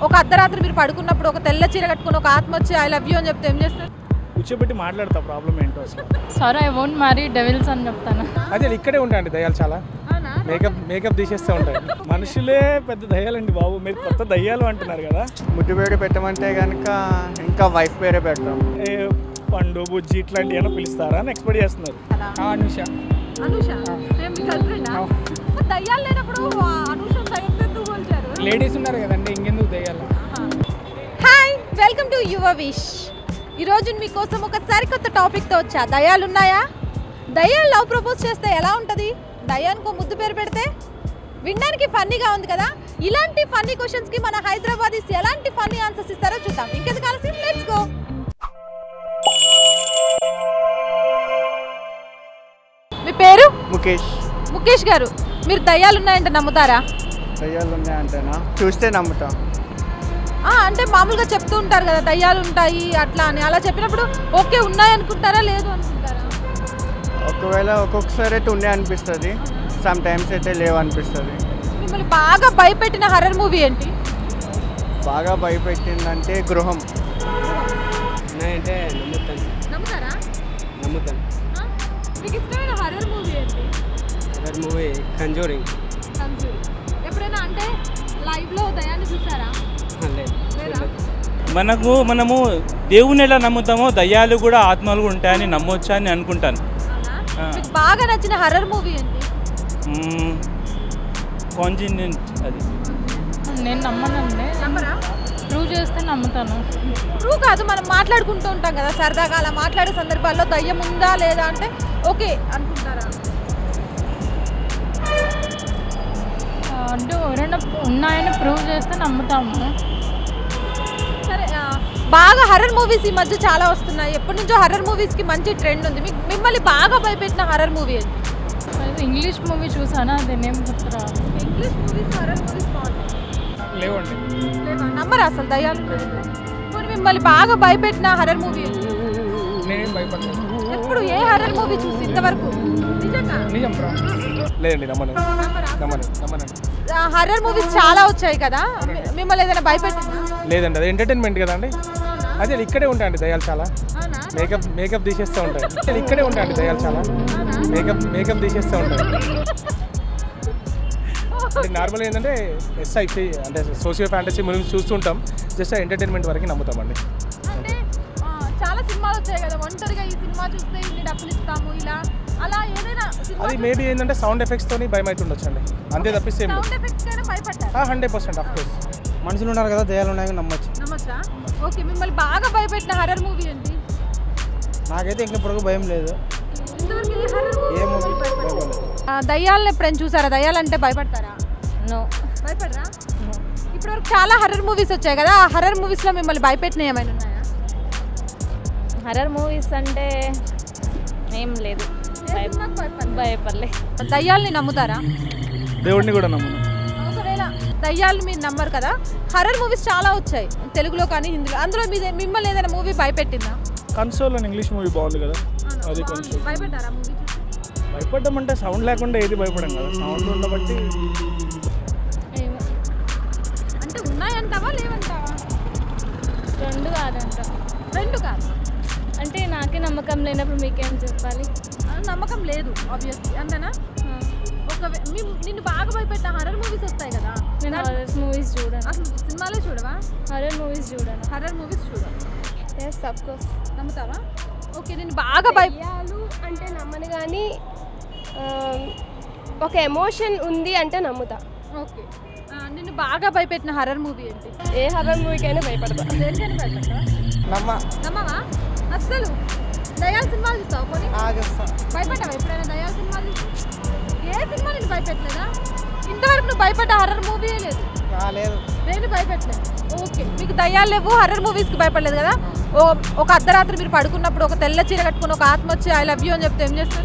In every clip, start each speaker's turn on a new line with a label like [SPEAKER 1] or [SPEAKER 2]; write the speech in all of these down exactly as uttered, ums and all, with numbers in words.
[SPEAKER 1] ఒక అర్ధరాత్రి మీరు పడుకున్నప్పుడు ఒక తెల్ల చీర కట్టుకుని ఒక ఆత్మ వచ్చి ఐ లవ్ యూ అని చెప్తే ఏం చేస్తారు?
[SPEAKER 2] కూర్చోబెట్టి మాట్లాడతా ప్రాబ్లం ఏంటో అసలు.
[SPEAKER 3] Sorry I won't marry devils అని చెప్తాను.
[SPEAKER 2] అదే ఇక్కడే ఉంటాయండి దయ్యాలు చాలా. మేకప్ మేకప్ తీసేస్తూ ఉంటాయి. మనుషులే పెద్ద దయ్యాలండి బాబు. మీరు కొత్త దయ్యాలు అంటున్నారు కదా.
[SPEAKER 4] ముద్దు పేరు పెట్టమంటే కనుక ఇంకా వైఫ్ పేరే పెడతాం.
[SPEAKER 2] ఏ పండు బుజ్జి ఇట్లాంటివి ఏమైనా పిలుస్తారా అని ఎక్స్పెక్ట్ చేస్తున్నారు.
[SPEAKER 5] అనుష
[SPEAKER 1] అనుష మీ గర్ల్ ఫ్రెండా? దయ్యాలు లేనప్పుడు అనుష దయ్యంతో ఎందుకు పోల్చారు?
[SPEAKER 5] లేడీస్ ఉన్నారు కదండి, ఇంకెందుకు దయ్యాలు.
[SPEAKER 1] Hi, welcome to your wish. ఈరోజు మీకోసం ఒక సరికొత్త టాపిక్తో వచ్చా. దయ్యాలు ఉన్నాయా? దయ్యాలు లవ్ ప్రపోజ్ చేస్తే ఎలా ఉంటుంది? దయ్యానికి ముద్దు పేరు పెడితే? వినడానికి ఫన్నీగా ఉంది కదా. ఇలాంటి ఫన్నీ క్వశ్చన్స్కి మన హైదరాబాదీస్ ఎలాంటి ఫన్నీ ఆన్సర్స్ ఇస్తారో చూద్దాం. ఇంకెందుకు ఆలస్యం, లెట్స్ గో. మీ పేరు?
[SPEAKER 4] ముఖేష్.
[SPEAKER 1] ముఖేష్ గారు, మీరు దయ్యాలు ఉన్నాయంటే నమ్ముతారా?
[SPEAKER 4] దయ్యాలు ఉన్నాయంటేనా? చూస్తే నమ్ముతా.
[SPEAKER 1] అంటే మామూలుగా చెప్తూ ఉంటారు కదా దయ్యాలు ఉంటాయి అట్లా అని. అలా చెప్పినప్పుడు ఓకే ఉన్నాయి అనుకుంటారా, లేదు అనుకుంటారా?
[SPEAKER 4] ఒకవేళ ఒక్కొక్కసారి అయితే ఉండే అనిపిస్తుంది, సమ్ టైమ్స్ అయితే లేవు అనిపిస్తుంది.
[SPEAKER 1] మిమ్మల్ని బాగా భయపెట్టిన హర్రర్ మూవీ ఏంటి?
[SPEAKER 4] బాగా భయపెట్టిందంటే గృహం.
[SPEAKER 5] అంటే నమ్ముతాను.
[SPEAKER 1] నమ్ముతారా?
[SPEAKER 5] నమ్ముతాను.
[SPEAKER 1] మీకు ఇష్టమైన హర్రర్ మూవీ ఏంటి?
[SPEAKER 5] Other movie Conjuring.
[SPEAKER 1] ఎప్పుడైనా అంటే లైవ్లో దయాన్ని చూసారా? లేదా?
[SPEAKER 6] మనకు మనము దేవుని ఎలా నమ్ముతామో దయ్యాలు కూడా ఆత్మలు ఉంటాయని నమ్మొచ్చా అని అనుకుంటాను.
[SPEAKER 1] మీకు బాగా నచ్చిన హర్రర్ మూవీ ఏంటి?
[SPEAKER 6] కాంజినెంట్. అది
[SPEAKER 3] నేను నమ్మనండి.
[SPEAKER 1] నమ్మరా?
[SPEAKER 3] ప్రూవ్ చేస్తే నమ్ముతాను.
[SPEAKER 1] ప్రూవ్ కాదు, మనం మాట్లాడుకుంటూ ఉంటాం కదా సరదాగా. అలా మాట్లాడే సందర్భాల్లో దయ్యం ఉందా లేదా అంటే ఓకే అనుకుంటారా?
[SPEAKER 3] అంటే ఎవరైనా ఉన్నాయని ప్రూవ్ చేస్తే నమ్ముతాము.
[SPEAKER 1] సరే, బాగా హర్రర్ మూవీస్ ఈ మధ్య చాలా వస్తున్నాయి. ఎప్పటి నుంచో హర్రర్ మూవీస్కి మంచి ట్రెండ్ ఉంది. మీకు మిమ్మల్ని బాగా భయపెట్టిన హర్రర్ మూవీ ఏంటి?
[SPEAKER 3] ఇంగ్లీష్ మూవీ చూసానా, అది నేమ్ గుర్తురా.
[SPEAKER 1] ఇంగ్లీష్ మూవీస్ హర్రర్ మూవీస్ బాగుంటాయి.
[SPEAKER 5] లేవండి.
[SPEAKER 1] లేవా? నమ్మరా అసలు దయ్యాలు? మరి మిమ్మల్ని బాగా భయపెట్టిన హర్రర్ మూవీ ఏంటి?
[SPEAKER 5] నేనేం భయపడలేదు.
[SPEAKER 1] ఎప్పుడు ఏ హర్రర్ మూవీ చూసి ఇంతవరకు? నిజంగా
[SPEAKER 5] నిజం బ్రో.
[SPEAKER 2] లేదండి నమ్మను నమ్మను నమ్మను
[SPEAKER 1] హర్రర్ మూవీస్ చాలా వచ్చాయి కదా, మిమ్మల్ని ఏదైనా భయపెట్టిందా?
[SPEAKER 2] లేదండి, అది ఎంటర్టైన్మెంట్ కదండి. అదే ఇక్కడే ఉంటాయండి దయ్యాలు చాలా. మేకప్ మేకప్ తీసేస్తూ ఉంటాయి. అదే ఇక్కడే ఉంటాయండి దయ్యాలు చాలా. మేకప్ మేకప్ తీసేస్తూ ఉంటాయి. నార్మల్గా ఏంటంటే ఎస్ఐసి అంటే సోషియో ఫ్యాంటసీ మూవీస్ చూస్తుంటాం. జస్ట్ ఎంటర్టైన్మెంట్ వరకు నమ్ముతామండి.
[SPEAKER 1] అంటే చాలా సినిమాలు వచ్చాయి కదా, ఒంటరిగా ఈ సినిమా చూస్తే ఇన్ని డబ్బులు ఇస్తాము ఇలా అలా ఏదైనా
[SPEAKER 2] అది మేబీ ఏంటంటే సౌండ్ ఎఫెక్ట్స్ తోని భయం అవుతుండొచ్చు అండి. అంతే తప్పిస్తే
[SPEAKER 1] సౌండ్ ఎఫెక్ట్స్ కైనా భయపడ్డారా?
[SPEAKER 2] Hundred percent of course.
[SPEAKER 4] మనుషులు ఉన్నారు కదా, దయ్యాలు ఉన్నాయి నమ్మొచ్చు.
[SPEAKER 1] నమ్మచ్చా? ఓకే, మిమ్మల్ని బాగా భయపెట్టిన హర్రర్ మూవీ ఏంటి?
[SPEAKER 4] నాకైతే ఇంకా ఇప్పుడు భయం లేదు.
[SPEAKER 1] ఇంతవరకు ఏ హర్రర్
[SPEAKER 4] ఏ మూవీ
[SPEAKER 1] మూవీ దయ్యాలను ఎప్పుడైనా చూసారా? దయ్యాలంటే భయపడతారా?
[SPEAKER 3] నో.
[SPEAKER 1] భయపడరా? ఇప్పటివరకు చాలా హర్రర్ మూవీస్ వచ్చాయి కదా, ఆ హర్రర్ మూవీస్లో మిమ్మల్ని భయపెట్టిన ఏమైనా ఉన్నాయా?
[SPEAKER 3] హర్రర్ మూవీస్ అంటే ఏం లేదు. భయపడలే.
[SPEAKER 1] దయ్యాల్ని నమ్ముతారా?
[SPEAKER 2] దేవుడిని కూడా నమ్మను.
[SPEAKER 1] ఒకవేళ దయ్యాలు మీరు నమ్మరు కదా, హర్రర్ మూవీస్ చాలా వచ్చాయి తెలుగులో కానీ హిందీలో. అందులో మీ మిమ్మల్ని ఏదైనా మూవీ భయపెట్టిందా?
[SPEAKER 2] కన్సోల్ అని ఇంగ్లీష్ మూవీ బాగుంది కదా, అది కొంచెం
[SPEAKER 1] భయపడ్డారా మూవీ?
[SPEAKER 2] భయపడ్డం అంటే సౌండ్ లేకుండా ఏది భయపడం కదా, సౌండ్ ఉండబట్టి.
[SPEAKER 1] అంటే ఉన్నాయంటావా లేవంటావా?
[SPEAKER 3] రెండు కాదంట.
[SPEAKER 1] రెండు కాదు
[SPEAKER 3] అంటే నాకే నమ్మకం లేనప్పుడు మీకేం చెప్పాలి?
[SPEAKER 1] నమ్మకం లేదు ఆబ్వియస్లీ, అంతేనా? ఒక నిన్ను బాగా భయపెట్టిన హర్రర్ మూవీస్ వస్తాయి కదా.
[SPEAKER 3] నేను హర్రర్ మూవీస్ చూడను.
[SPEAKER 1] అసలు సినిమాలే చూడవా?
[SPEAKER 3] హర్రర్ మూవీస్ చూడను.
[SPEAKER 1] హర్రర్ మూవీస్ చూడవు.
[SPEAKER 3] Yes of course.
[SPEAKER 1] నమ్ముతావా? ఓకే, నేను బాగా
[SPEAKER 7] భయాలు అంటే నమ్మను, కానీ ఒక ఎమోషన్ ఉంది అంటే నమ్ముతా.
[SPEAKER 1] ఓకే, నిన్ను బాగా భయపెట్టిన హర్రర్ మూవీ ఏంటి?
[SPEAKER 7] ఏ హర్రర్ మూవీకైనా భయపడతా.
[SPEAKER 1] దేనికైనా భయపడతా?
[SPEAKER 4] నమ్మ
[SPEAKER 1] నమ్మవా అస్సలు? దయ్యాల సినిమాలు చూస్తావు కొని?
[SPEAKER 4] ఆగస్తా.
[SPEAKER 1] భయపడ్డావా ఎప్పుడైనా దయ్యాల సినిమాలు? ఏ సినిమా నేను భయపెట్టలేదా? ఇంతవరకు నువ్వు భయపడ్డ హర్రర్ మూవీ లేదు?
[SPEAKER 4] లేదు.
[SPEAKER 1] నేను భయపెట్టలేదు. ఓకే, మీకు దయ్యాలు లేవు, హర్రర్ మూవీస్కి భయపడలేదు కదా. ఓ ఒక అర్ధరాత్రి మీరు పడుకున్నప్పుడు ఒక తెల్ల చీర కట్టుకుని ఒక ఆత్మ వచ్చి ఐ లవ్ యూ అని చెప్తే ఏం చేస్తారు?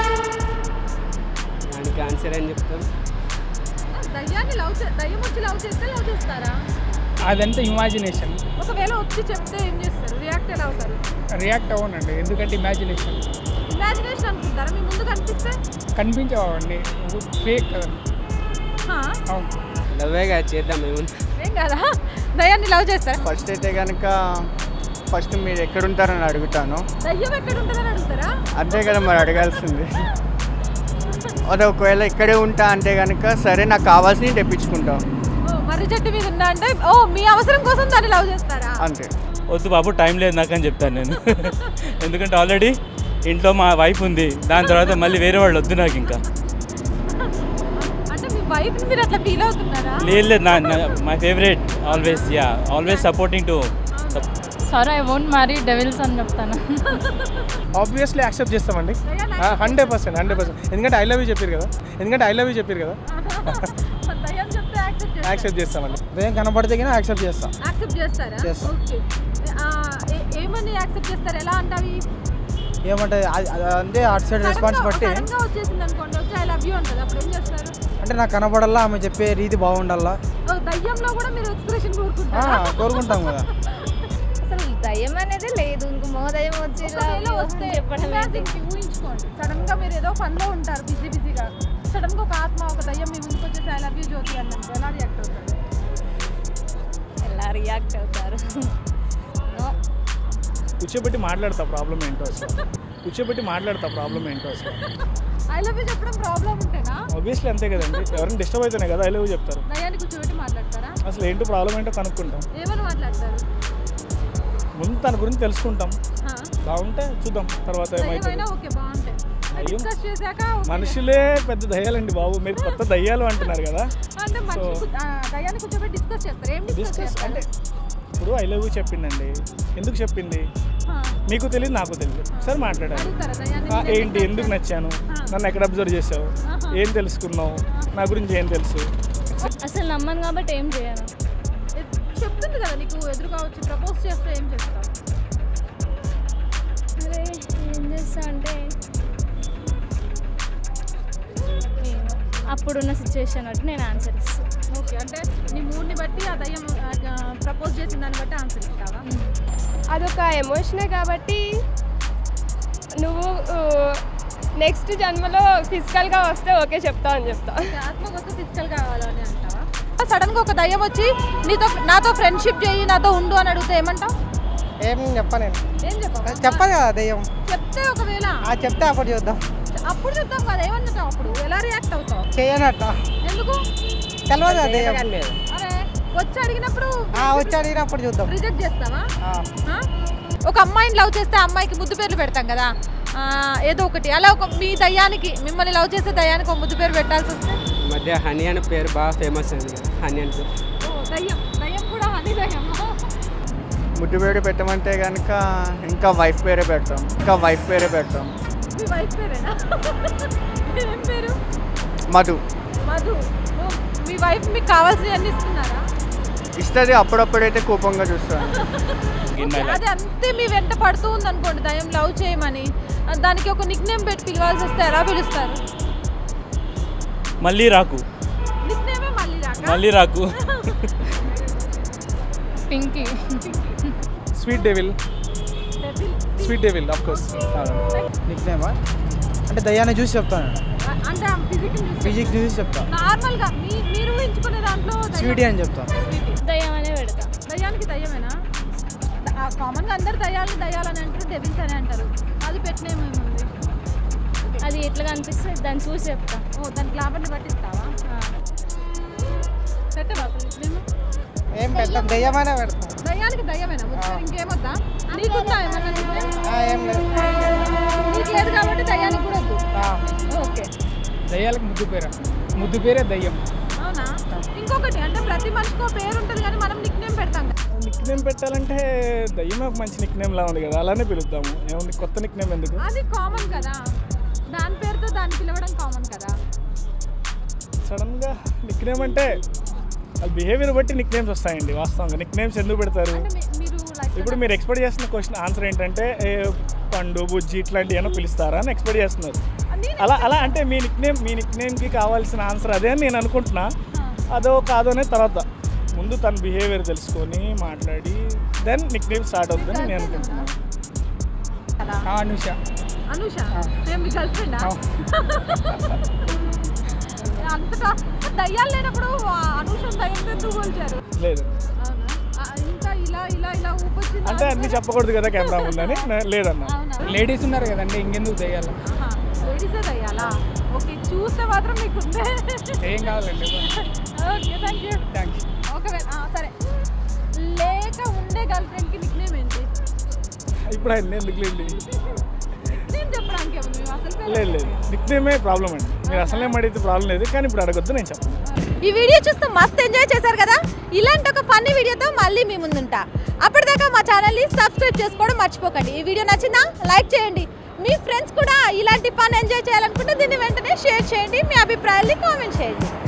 [SPEAKER 5] దానికి ఆన్సర్ ఏం చెప్తారు?
[SPEAKER 1] దయ్యాన్ని లవ్ దయ్యం వచ్చి లవ్ చేస్తే లవ్ చేస్తారా?
[SPEAKER 5] అదంతా ఇమాజినేషన్.
[SPEAKER 1] ఒకవేళ వచ్చి చెప్తే ఏం చేస్తారు? రియాక్ట్ ఎలా అవుతారు?
[SPEAKER 5] రియాక్ట్ అవ్వనండి, ఎందుకంటే ఇమాజినేషన్.
[SPEAKER 1] ఇమాజినేషన్ అనుకుంటారా? మీ ముందు కనిపిస్తే
[SPEAKER 5] కనిపించవండి, ఫేక్ కదండి. అవును.
[SPEAKER 8] లవ్వేగా చేద్దాం ఏముంది.
[SPEAKER 1] ఏం కదా దయ లవ్ చేస్తారా?
[SPEAKER 4] ఫస్ట్ అయితే కనుక ఫస్ట్ మీరు ఎక్కడుంటారని అడుగుతాను.
[SPEAKER 1] దయ్యం ఎక్కడ ఉంటుందని అడుగుతారా?
[SPEAKER 4] అంతే కదా మరి అడగాల్సింది. అదే ఒకవేళ ఇక్కడే ఉంటా అంటే కనుక సరే నాకు కావాల్సినవి తెప్పించుకుంటాం.
[SPEAKER 1] ఓ మర్రి చెట్టు మీద ఉందా అంటే ఓ మీ అవసరం కోసం దాన్ని లవ్ చేస్తారా?
[SPEAKER 4] అంతే.
[SPEAKER 6] వద్దు బాబు టైం లేదు నాకు అని చెప్తాను నేను. ఎందుకంటే ఆల్రెడీ ఇంట్లో మా వైఫ్ ఉంది, దాని తర్వాత మళ్ళీ వేరే వాళ్ళు వద్దు నాకు ఇంకా.
[SPEAKER 1] అంటే మీ వైఫ్ మీరు అట్లా ఫీల్ అవుతున్నారా?
[SPEAKER 6] లేదు లేదు నా my favourite always ya always supporting to.
[SPEAKER 3] Sorry I won't marry devils అని చెప్తాను.
[SPEAKER 2] ఆబ్వియస్లీ యాక్సెప్ట్ చేస్తామండి, హండ్రెడ్ పర్సెంట్ హండ్రెడ్ పర్సెంట్ ఎందుకంటే ఐ లవ్ యూ చెప్పారు కదా ఎందుకంటే ఐ లవ్ యూ చెప్పారు కదా
[SPEAKER 1] దయ్యం చెప్తే యాక్సెప్ట్ చేస్తారా?
[SPEAKER 2] యాక్సెప్ట్ చేస్తామండి.
[SPEAKER 5] దయ్యం కనబడితే కానీ యాక్సెప్ట్ చేస్తాం.
[SPEAKER 1] యాక్సెప్ట్ చేస్తారా?
[SPEAKER 5] చేస్తాం.
[SPEAKER 1] ఓకే. ఆ, ఏ- ఏమని యాక్సెప్ట్ చేస్తారు? ఎలా అంటావి?
[SPEAKER 5] ఏమంటే అది- అది అంటే అటు సైడ్ రెస్పాన్స్ బట్టి
[SPEAKER 1] సడన్ గా వచ్చేసింది అనుకోండి, వచ్చి ఐ లవ్ యూ అంటది, అప్పుడు ఏం చేస్తారు?
[SPEAKER 5] అంటే నాకు కనబడాలా, ఆమె చెప్పే రీతి బాగుండాలా
[SPEAKER 1] ఓ, దయ్యంలో కూడా మీరు ఎక్స్ప్రెషన్ కోరుకుంటారా?
[SPEAKER 5] కోరుకుంటాం కదా.
[SPEAKER 3] అసలు దయ్యం అనేది లేదు, ఇంకో మో దయ్యం వచ్చి
[SPEAKER 1] ఒకవేళ వస్తే imagine కి ఊహించుకోండి, సడన్ గా మీరు ఏదో పనిలో ఉంటారు బిజీ బిజీగా, సడన్ గా ఒక ఆత్మ ఒక దయ్యం మీ ముందుకు వచ్చేసి ఐ లవ్ యూ జ్యోతి అన్నది, ఎలా రియాక్ట్ అవుతారు?
[SPEAKER 3] ఎలా రియాక్ట్ అవుతారు?
[SPEAKER 2] కూర్చోబెట్టి మాట్లాడతా ప్రాబ్లం ఏంటో అసలు కూర్చోబెట్టి మాట్లాడతా ప్రాబ్లం ఏంటో అసలు
[SPEAKER 1] ఐ లవ్ యూ చెప్పడం ప్రాబ్లం ఉంటేనా?
[SPEAKER 2] ఆబ్వియస్లీ అంతే కదండి, ఎవరైనా డిస్టర్బ్ అయితేనే కదా ఐ లవ్ యూ చెప్తారు.
[SPEAKER 1] దయ్యాన్ని కూర్చోబెట్టి మాట్లాడతారా?
[SPEAKER 2] అసలు ఏంటో ప్రాబ్లం ఏంటో కనుక్కుంటాం,
[SPEAKER 1] ఏమని మాట్లాడతారు?
[SPEAKER 2] ముందు తన గురించి తెలుసుకుంటాం,
[SPEAKER 1] ఆ,
[SPEAKER 2] బాగుంటే చూద్దాం తర్వాత
[SPEAKER 1] దయ్యం
[SPEAKER 2] ఏమవుతుంది.
[SPEAKER 1] అయినా ఓకే బాగుంటాయి,
[SPEAKER 2] అయ్యో.
[SPEAKER 1] డిస్కస్ చేశాక ఓకే.
[SPEAKER 2] మనుషులే పెద్ద దయ్యాలండి బాబు, మీరు కొత్త దయ్యాలు అంటున్నారు కదా.
[SPEAKER 1] అంటే మనిషి
[SPEAKER 2] సో-
[SPEAKER 1] కు- ఆ, దయ్యాన్ని కూర్చోబెట్టి డిస్కస్ చేస్తారు, ఏం డిస్కస్
[SPEAKER 2] డిస్కస్
[SPEAKER 1] చేస్తారు?
[SPEAKER 2] అంటే ఇప్పుడు ఐ లవ్ యూ చెప్పిందండి, ఎందుకు చెప్పింది
[SPEAKER 1] ఆ,
[SPEAKER 2] మీకు తెలియదు నాకు తెలియదు, సరే మాట్లాడాలి.
[SPEAKER 1] అడుగుతారా దయ్యాన్ని?
[SPEAKER 2] ఆ,
[SPEAKER 1] నేను
[SPEAKER 2] ఏంటి ఎందుకు నచ్చాను, నన్ను ఎక్కడ అబ్జర్వ్ చేసావు,
[SPEAKER 1] ఆహా.
[SPEAKER 2] ఏం తెలుసుకున్నావు, నా గురించి ఏం తెలుసు.
[SPEAKER 3] అసలు నమ్మను కాబట్టి ఏం చేయను.
[SPEAKER 1] ఎ- చెప్తుంది కదా నీకు ఎదురుగా వచ్చి ప్రపోజ్ చేస్తే ఏం చేస్తావు?
[SPEAKER 3] అరే ఏం చేస్తా అంటే ఏమో, అప్పుడున్న సిచ్యువేషన్ బట్టి నేను ఆన్సర్ ఇస్తాను.
[SPEAKER 1] ఓకే, అంటే నీ మూడ్ని బట్టి ఆ దయ్యం ప్రపోజ్ చేసిన దాన్ని బట్టి ఆన్సర్ ఇస్తావా?
[SPEAKER 7] అదొక ఎమోషనే కాబట్టి నువ్వు నెక్స్ట్ జన్మలో ఫిజికల్గా వస్తే ఓకే చెప్తా అని చెప్తా.
[SPEAKER 1] ఓకే, ఆత్మకు వస్తే ఫిజికల్ కావాలని అంటావా? సడన్గా ఒక దయ్యం వచ్చి నీతో నాతో ఫ్రెండ్షిప్ చేయి, నాతో ఉండు అని అడిగితే ఏమంటావు?
[SPEAKER 5] ఏం చెప్పలేను,
[SPEAKER 1] ఏం చెప్పావు?
[SPEAKER 5] చెప్పదు కదా దయ్యం.
[SPEAKER 1] చెప్తే ఒకవేళ
[SPEAKER 5] అది చెప్తే అప్పుడు చూద్దాం.
[SPEAKER 1] అప్పుడు చెప్తాం కదా, ఏమన్నావు అప్పుడు? ఎలా రియాక్ట్ అవుతావు?
[SPEAKER 5] చేయనట్ట
[SPEAKER 1] ఎందుకు?
[SPEAKER 5] తెలియదు కదా దయ్యం.
[SPEAKER 1] అరే వచ్చి అడిగినప్పుడు
[SPEAKER 5] ఆ, వచ్చి అడిగినప్పుడు చూద్దాం.
[SPEAKER 1] రిజెక్ట్ చేస్తావా?
[SPEAKER 5] ఆ.
[SPEAKER 1] ఆ? ఒక అమ్మాయిని లవ్ చేస్తే ఆ అమ్మాయికి ముద్దు పేర్లు పెడతాం కదా, ఆ, ఏదో ఒకటి అలా ఒక మీ దయ్యానికి, మిమ్మల్ని లవ్ చేసే దయ్యానికి ఒక ముద్దు పేరు పెట్టాల్సి వస్తే?
[SPEAKER 8] ఈ మధ్య హనీ అనే పేరు బాగా ఫేమస్ అయింది కదా, హనీ అని పేరు.
[SPEAKER 1] ఓ, దయ్యం దయ్యం కూడా హనీ దయ్యం.
[SPEAKER 4] ముద్దు పేరు పెట్టమంటే కనుక ఇంకా వైఫ్ పేరే పెడతాం, ఇంకా వైఫ్ పేరే పెడతాం.
[SPEAKER 1] మీ వైఫ్ పేరేనా? ఏం పేరు?
[SPEAKER 4] మధు.
[SPEAKER 1] మధు. ఓ, మీ వైఫ్ మీకు కావాల్సినవి అన్ని ఇస్తున్నారా?
[SPEAKER 4] ఇస్తుంది, అప్పుడప్పుడైతే కోపంగా చూస్తాను.
[SPEAKER 6] In my life.
[SPEAKER 1] అది అంతే మీ వెంట పడుతూ ఉంది అనుకోండి దయ్యం లవ్ చేయమని, దానికి ఒక నిక్ నేమ్ పెట్టి పిలవాల్సి వస్తే ఎలా పిలుస్తారు?
[SPEAKER 6] మళ్ళీ రాకు
[SPEAKER 1] నిక్ నేమే మళ్ళీ రాక?
[SPEAKER 6] మళ్ళీ రాకు
[SPEAKER 3] Pinky.
[SPEAKER 2] Sweet devil,
[SPEAKER 1] Devil.
[SPEAKER 2] Sweet devil of course.
[SPEAKER 5] Nick నేమా అంటే దయ్యాన్ని చూసి చెప్తాను,
[SPEAKER 1] అ- అంటే ఫిజిక్
[SPEAKER 5] ఫిజిక్ చూసి చెప్తాను.
[SPEAKER 1] నార్మల్గా మీ మీరు ఎంచుకునే దాంట్లో దయ్యం-
[SPEAKER 5] స్వీటీ అని చెప్తాను.
[SPEAKER 1] స్వీటీ.
[SPEAKER 3] దయ్యం అనే పెడతా.
[SPEAKER 1] దయ్యానికి దయ్యమేనా? కామన్గా అందరు దయ్యాలు దయ్యాలని అంటారు, డెవిల్స్ అని అంటారు, అది పెట్టినేమేముంది?
[SPEAKER 3] అది ఎట్లా కనిపిస్తే దాన్ని చూసి చెప్తా.
[SPEAKER 1] ఓ, దానికి లాభాన్ని పట్టిస్తావా? పెట్టవా అసలు నిన్ను?
[SPEAKER 5] ఏం పెడతాం, దయ్యమైనా పెడతాం.
[SPEAKER 1] దయ్యానికి దయ్యమేనా? ముద్దు ఇంకేమొద్దా? నీకుందా ఏమన్నా నిక్ నేమ్?
[SPEAKER 5] ఆ, ఏం లేదు.
[SPEAKER 1] నీకు లేదు కాబట్టి దయ్యానికి కూడా వద్దు.
[SPEAKER 5] ఆ.
[SPEAKER 1] ఓకే,
[SPEAKER 5] దయ్యాలకు ముద్దు పేరు, ముద్దు పేరే దయ్యం.
[SPEAKER 1] అవునా? ఇంకొకటి అంటే ప్రతి మనిషికి పేరు ఉంటుంది కానీ మనం నిక్ నేమ్ పెడతాం కదా.
[SPEAKER 2] నిక్ నేమ్ పెట్టాలంటే దయ్యమే ఒక మంచి నిక్ నేమ్ లా ఉంది కదా, అలానే పిలుద్దాము. ఏముంది కొత్త నిక్ నేమ్ ఎందుకు?
[SPEAKER 1] అది కామన్ కదా, దాని పేరుతో దాన్ని పిలవడం కామన్ కదా.
[SPEAKER 2] సడన్గా నిక్ నేమ్ అంటే వాళ్ళ బిహేవియర్ బట్టి నిక్ నేమ్స్ వస్తాయండి. వాస్తవంగా నిక్ నేమ్స్ ఎందుకు పెడతారు?
[SPEAKER 1] అంటే మీ- మీరు like
[SPEAKER 2] ఇప్పుడు మీరు ఎక్స్పెక్ట్ చేస్తున్న క్వశ్చన్ ఆన్సర్ ఏంటంటే ఏ, పండు బుజ్జి ఇట్లాంటివి ఏమో పిలుస్తారా అని ఎక్స్పెక్ట్ చేస్తున్నారు.
[SPEAKER 1] నేను-
[SPEAKER 2] అలా అలా అంటే మీ నిక్ నేమ్ మీ నిక్ నేమ్కి కావాల్సిన ఆన్సర్ అదే అని నేను అనుకుంటున్నా. అదో కాదో అనేది తర్వాత, ముందు తన బిహేవియర్ తెలుసుకొని మాట్లాడి దెన్ నిక్ నేమ్ స్టార్ట్ అవుతుందని నేను అనుకుంటున్నాను.
[SPEAKER 1] కదా.
[SPEAKER 5] అనుష.
[SPEAKER 1] అనుష సేమ్ మీ గర్ల్ ఫ్రెండా? అంతటా దయ్యాలు లేనప్పుడు ఆ అనుష దయ్యంతో ఎందుకు పోల్చారు?
[SPEAKER 2] లేదు
[SPEAKER 1] అవునా? ఆ,
[SPEAKER 2] అంటే అన్ని చెప్పకూడదు కదా కెమెరా ముందని నే- లేదన్నా.
[SPEAKER 1] అవునా
[SPEAKER 5] లేడీస్ ఉన్నారు కదండి ఇంకెందుకు దయ్యాలు
[SPEAKER 1] లేడీసే దయ్యాలా ఓకే చూస్తే మాత్రం మీకు ఉందే
[SPEAKER 5] ఏం కావాలండి
[SPEAKER 1] ఓకే థ్యాంక్ యూ
[SPEAKER 5] థ్యాంక్స్
[SPEAKER 1] ఒకవేళ ఆ, సరే లేక ఉండే గర్ల్ ఫ్రెండ్కి నిక్ నేమ్ ఏంటి
[SPEAKER 2] ఇప్పుడు ఆయన ఎందుకు లేదు
[SPEAKER 1] నేను చెప్పడానికి ఏముంది మేము అసలు
[SPEAKER 2] లేదు లేదు నిక్ నేమే ప్రాబ్లం అండి. మీరు అసలే అడిగితే ప్రాబ్లం లేదు, కానీ ఇప్పుడు అడగొద్దు, నేను చెప్పను.
[SPEAKER 1] ఈ వీడియో చూస్తూ మస్తు ఎంజాయ్ చేశారు కదా. ఇలాంటి ఒక ఫన్నీ వీడియోతో మళ్ళీ మీ ముందుంటా. అప్పటిదాకా మా ఛానల్ని సబ్స్క్రైబ్ చేసుకోవడం మర్చిపోకండి. ఈ వీడియో నచ్చినా లైక్ చేయండి. మీ ఫ్రెండ్స్ కూడా ఇలాంటి ఫన్ ఎంజాయ్ చేయాలనుకుంటే దీన్ని వెంటనే షేర్ చేయండి. మీ అభిప్రాయాల్ని కామెంట్ చేయండి.